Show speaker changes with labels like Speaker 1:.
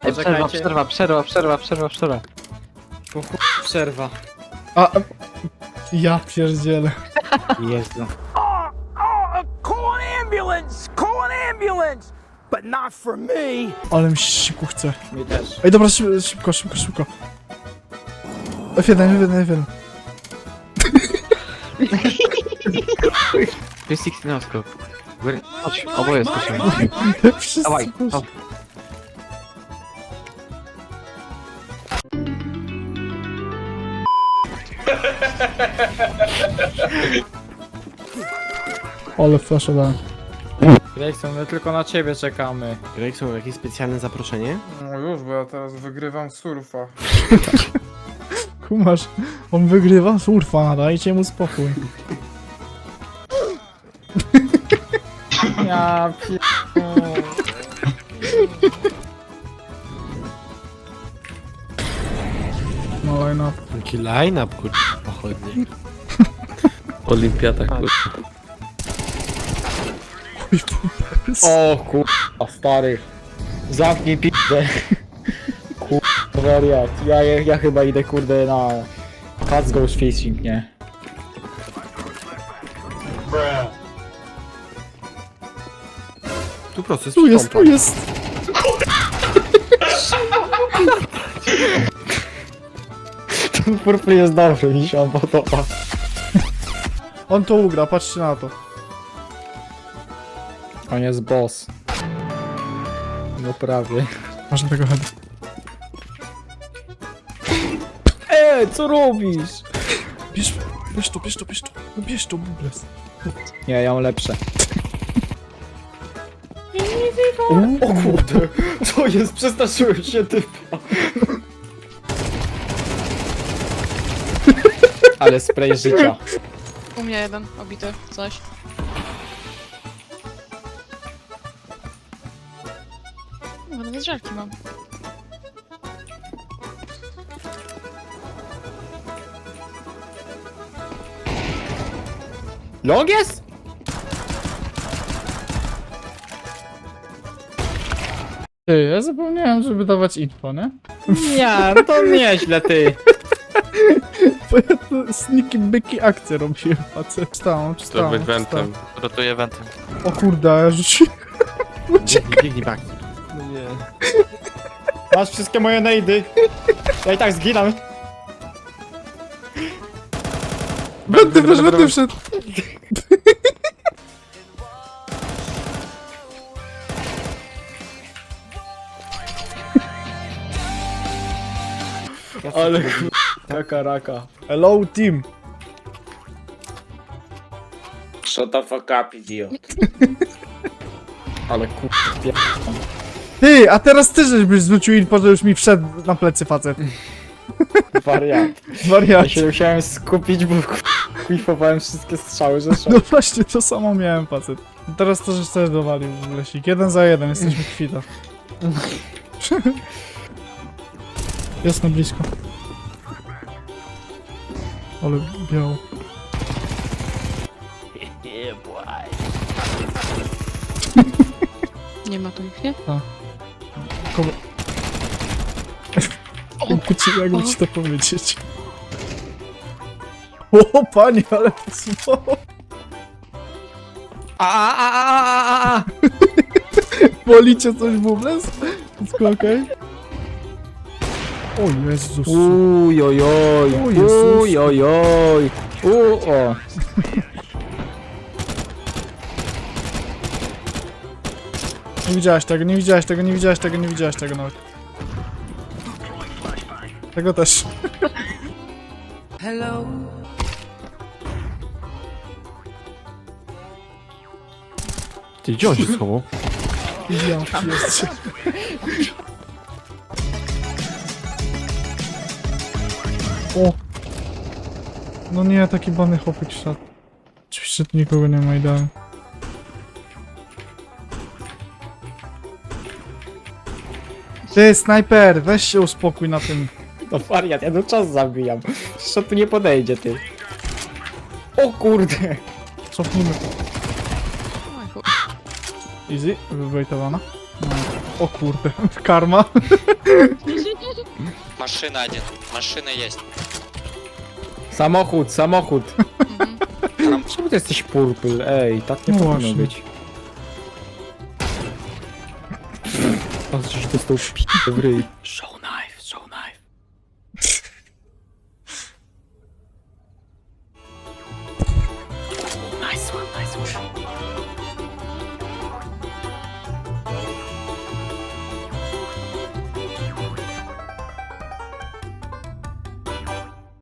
Speaker 1: Przerwa.
Speaker 2: Po chuj przerwa.
Speaker 3: A, ja pierdzielę.
Speaker 2: Jezu.
Speaker 4: Call an ambulance! Call an ambulance! But not for me!
Speaker 3: Ale mi się siku chce.
Speaker 2: Mi też.
Speaker 3: Ej, dobra, szybko. F1.
Speaker 1: To jest 16 no scope. Chodź, oboje skoczymy.
Speaker 3: Wszyscy
Speaker 1: Dawaj,
Speaker 3: poszli.
Speaker 1: no.
Speaker 3: Ale flashowałem.
Speaker 2: Grayson, my tylko na ciebie czekamy.
Speaker 5: Gregson, jakieś specjalne zaproszenie?
Speaker 6: No już, bo ja teraz wygrywam surfa.
Speaker 3: Kumasz, on wygrywa surfa, dajcie mu spokój.
Speaker 2: Ja
Speaker 3: No line up.
Speaker 5: Taki line-up, kurwa, pochodnie.
Speaker 1: Olimpiada, kurwa.
Speaker 2: O kurwa, stary. Zamknij p***ę. Kurwa, wariat. Ja chyba idę kurde na... Cats Goes Fishing, nie?
Speaker 5: Tu proces
Speaker 3: Tu jest.
Speaker 2: Ten purple jest dobry, mi się on podoba.
Speaker 3: On to ugra, patrzcie na to.
Speaker 2: On jest boss. No prawie.
Speaker 3: Masz tego heada.
Speaker 2: Co robisz?
Speaker 3: Bierz to. No bierz to, Bubles.
Speaker 2: Nie, ja mam lepsze. O kurde, co jest? Przestraszyłem się typa. Ale spray życia.
Speaker 7: U mnie jeden obity, coś. No, nawet żelki mam.
Speaker 2: Long jest?
Speaker 3: Ty, ja zapomniałem, żeby dawać info, nie?
Speaker 2: Nie, no to nieźle ty.
Speaker 3: Bo ja to sniki byki akcję robiłem, facet. Stałem.
Speaker 1: Rotuję wentem.
Speaker 3: O kurde, ja rzuciłem.
Speaker 5: Biegnij back.
Speaker 1: No nie.
Speaker 2: Masz wszystkie moje nejdy. Ja i tak zginam.
Speaker 3: Będę wszedł.
Speaker 2: Ale taka raka.
Speaker 3: Hello, team.
Speaker 2: Shut the fuck up, idiot. Ale kurde.
Speaker 3: Ty, a teraz ty żebyś zwrócił info, że już mi wszedł na plecy facet.
Speaker 2: Wariat.
Speaker 3: Wariat.
Speaker 2: Ja się musiałem skupić, bo kuifowałem wszystkie strzały, że
Speaker 3: No właśnie, to samo miałem, facet. Teraz to, żeś też dowalił, Lesik. 1 za 1, jesteśmy kwita. Jest na blisko. Ale biało.
Speaker 7: Nie ma tu ich, nie?
Speaker 3: Kogo... Jakby ci to powiedzieć. O, panie, ale to słowo. Bolicie coś, Bubles? Wszystko okej? O Jezus.
Speaker 2: Ujojoj,
Speaker 3: O Jezus.
Speaker 2: ujojoj, o.
Speaker 3: Nie widziałeś tego nawet. Tego też.
Speaker 5: Ty, gdzie on się schował?
Speaker 3: Ja, jest. O! No nie, taki bany chłopek szedł. Oczywiście tu nikogo nie ma idealnie. Ty, snajper, weź się uspokój na tym.
Speaker 2: No wariat, ja no czas zabijam. Co tu nie podejdzie, ty? O kurde.
Speaker 3: Cofnijmy.
Speaker 7: Oj, chuj.
Speaker 3: Easy, wywejtowana. No. O kurde, karma.
Speaker 8: Машина один. Машина есть.
Speaker 2: Samochód, samochód.
Speaker 7: Mhm.
Speaker 2: Czemu ty jesteś purple? Ej, tak nie
Speaker 3: No
Speaker 2: powinno
Speaker 3: właśnie.
Speaker 2: być. A żeś dostał p***, w ryj.